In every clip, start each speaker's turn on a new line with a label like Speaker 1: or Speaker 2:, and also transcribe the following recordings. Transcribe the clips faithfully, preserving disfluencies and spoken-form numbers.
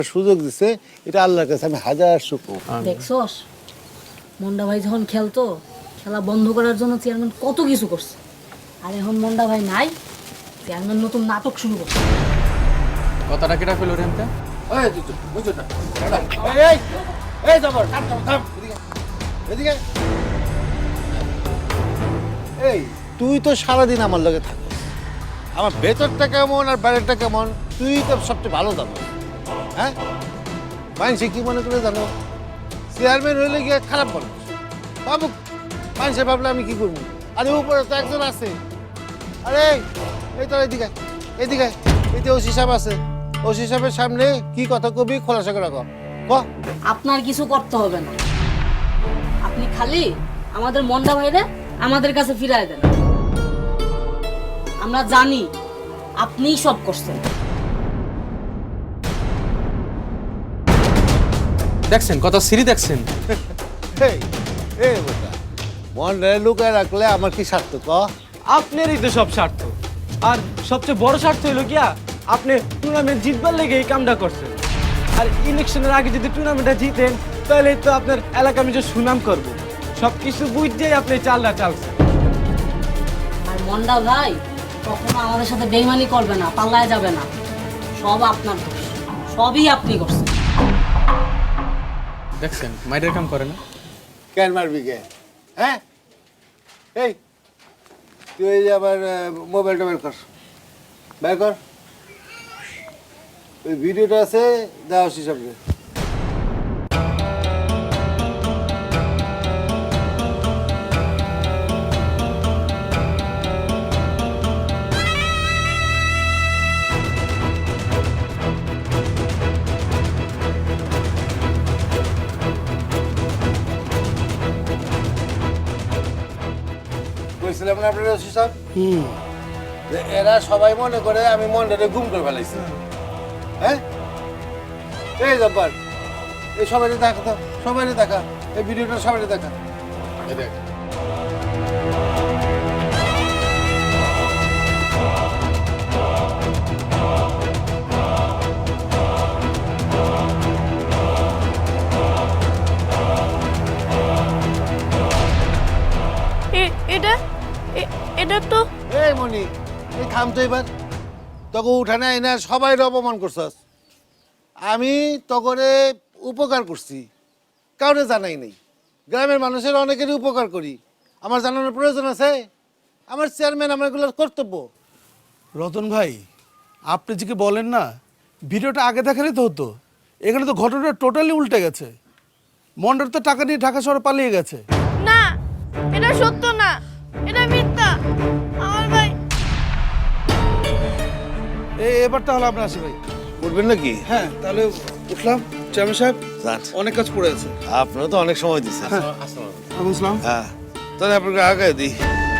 Speaker 1: সুযোগ দিছে, এটা আল্লাহর কাছে আমি হাজার শুকর।
Speaker 2: দেখছস মন্ডা ভাই যখন খেলতো, খেলা বন্ধ করার জন্য চেয়ারম্যান কত কিছু করছে। আর এখন মন্ডা ভাই নাই, চেয়ারম্যান নতুন নাটক শুরু করছে।
Speaker 3: কথাটা কেটা ফেলো রেমতে?
Speaker 1: এই তুই বুঝছো না, এই এই জবর থাম থাম থাম, এদিকে এদিকে। এই তুই তো সারাদিন আমার লগে থাকিস, আমার ভেতরটা কেমন আর বাইরেটা কেমন তুই তো সবচেয়ে ভালো জানো। হ্যাঁ, মানুষে কি মনে করে জানো? চেয়ারম্যান হইলে গিয়ে খারাপ মানুষ বাবু, মানুষে ভাবলে আমি কি করবো? আরে উপরে তো একজন আছে। আরে এই তো এদিকে এদিকে, এই যে ওসি সাহেব আছে, ওসি সাহেবের সামনে কি কথা কবি খোলাসা করে কর।
Speaker 2: আপনার কিছু করতে হবে না, আপনি খালি আমাদের মন্ডা ভাইরে আমাদের কাছে ফিরায় দেন। আমরা জানি আপনিই সব করছেন।
Speaker 3: দেখছেন কথা সিরি দেখছেন?
Speaker 1: এই এই বেটা, মনে লুকায় রাখলে আমার কি স্বার্থ ক?
Speaker 4: আপনারই তো সব স্বার্থ, আর সবচেয়ে বড় স্বার্থ হলো কি আপনি টুর্নামেন্ট জিতবার লেগে এই কামটা করছেন। আর ইলেকশনের আগে যদি টুর্নামেন্টটা জিতেন তাহলে তো আপনার এলাকা আমি যে সুনাম করব। সব কিছু বুঝতেই আপনি চালটা চালছেন।
Speaker 2: আর মন্ডা ভাই কখনো আমাদের সাথে বেইমানি করবে না, পাল্লায় যাবে না। সব আপনার দোষ, সবই আপনি করছেন।
Speaker 3: দেখছেন মাইরের কাম করে না?
Speaker 1: কেন মারবি কে? হ্যাঁ, এই তুই এই যে আবার মোবাইলটা বের কর, বের কর। ওই ভিডিওটা আছে, দেওয়া হিসাবে। বলছিলাম না আপনারা ওসি সাহেব, যে এরা সবাই মনে করে আমি মনটারে গুম করে ফেলাইছি। হ্যাঁ, এই জব্বার, এই সবাই দেখা তো, সবাই দেখা এই ভিডিওটা, সবাই দেখা। এই দেখ,
Speaker 5: এটা এ- এটা তো
Speaker 1: এই মনি, এই থাম তো এবার। তোকে উঠানে আইনা সবাই অপমান করছস। আমি তকরে উপকার করছি, কাউরে জানাই নাই। গ্রামের মানুষের অনেকেরই উপকার করি, আমার জানানোর প্রয়োজন আছে? আমার চেয়ারম্যান আমার এগুলোর কর্তব্য।
Speaker 6: রতন ভাই, আপনি যে কি বলেন না, ভিডিওটা আগে দেখালেই তো হতো। এখানে তো ঘটনাটা টোটালি উল্টে গেছে। মন্ডার তো টাকা নিয়ে ঢাকা শহরে পালিয়ে গেছে।
Speaker 5: না, এটা সত্য না, এটা মিথ্যা। আমার ভাই
Speaker 6: এই এবার তাহলে আপনার আসি ভাই।
Speaker 1: করবেন নাকি?
Speaker 6: হ্যাঁ, তাহলে উঠলাম। চেয়ারম্যান সাহেব,
Speaker 1: যান।
Speaker 6: অনেক কাজ পড়ে আছে।
Speaker 1: আপনারা তো অনেক সময় দিচ্ছেন।
Speaker 6: বুঝলাম।
Speaker 1: হ্যাঁ, তাহলে আপনাকে আগে দিই।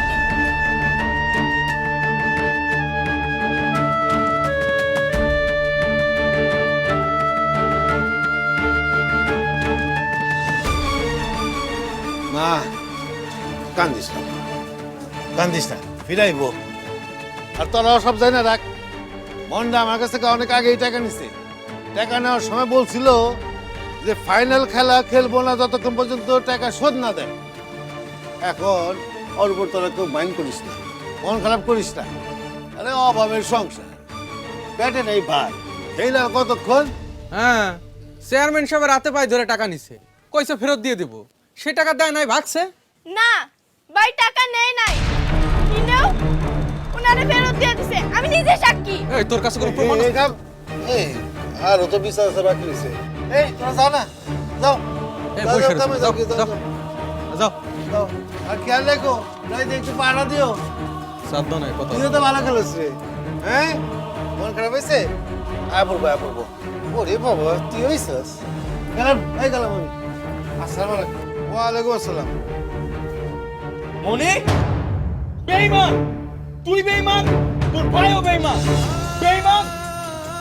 Speaker 1: না, কান্দিস না, কান্দিস না, ফিরাইব। আর তোরাও সব জানি না রাখ, মন্ডা আমার কাছ থেকে অনেক আগেই টাকা নিছে। টাকা নেওয়ার সময় বলছিল যে ফাইনাল খেলা খেলবো না যতক্ষণ পর্যন্ত টাকা শোধ না দেয়। এখন ওর উপর তোরা কেউ মাইন্ড করিস না, মন খারাপ করিস না। আরে অভাবের সংসার, পেটে নেই ভাই, খেলে আর কতক্ষণ?
Speaker 3: হ্যাঁ, চেয়ারম্যান সাহেব রাতে পায়ে ধরে টাকা নিছে, কইছে ফেরত দিয়ে দেব। সে টাকা দেয় নাই, ভাগছে।
Speaker 5: না, ভাই টাকা নেই নাই, কিনেও উনারে ফেরত দিয়ে দিছে। আমি নিজে সাক্ষী।
Speaker 3: এই তোর কাছে কোনো প্রমাণ আছে?
Speaker 1: এই আর ও তো বিচার আছে বাকি রয়েছে। এই তোরা যাও না, যাও।
Speaker 3: এই
Speaker 1: যাও,
Speaker 3: বসে
Speaker 1: যাও,
Speaker 3: রয়েছে,
Speaker 1: যাও,
Speaker 3: যাও,
Speaker 1: যাও,
Speaker 3: যাও,
Speaker 1: যাও,
Speaker 3: যাও।
Speaker 1: যাও। আর খেয়াল রেখো, নাই যে একটু পাড়া দিও।
Speaker 3: সাধ্য নাই কথা।
Speaker 1: তুইও তো ভালো খেলিস রে। হ্যাঁ, মন খারাপ হয়েছে? আয় পড়বো, আয় পড়বো। ওরে বাবা, তুই হয়েছিস? গেলাম, এই গেলাম আমি। আসসালামু আলাইকুম। ওয়ালাইকুম আসসালাম।
Speaker 4: মনি, বেঈমান, তুই বেঈমান, তোর ভাইও বেঈমান। বেঈমান,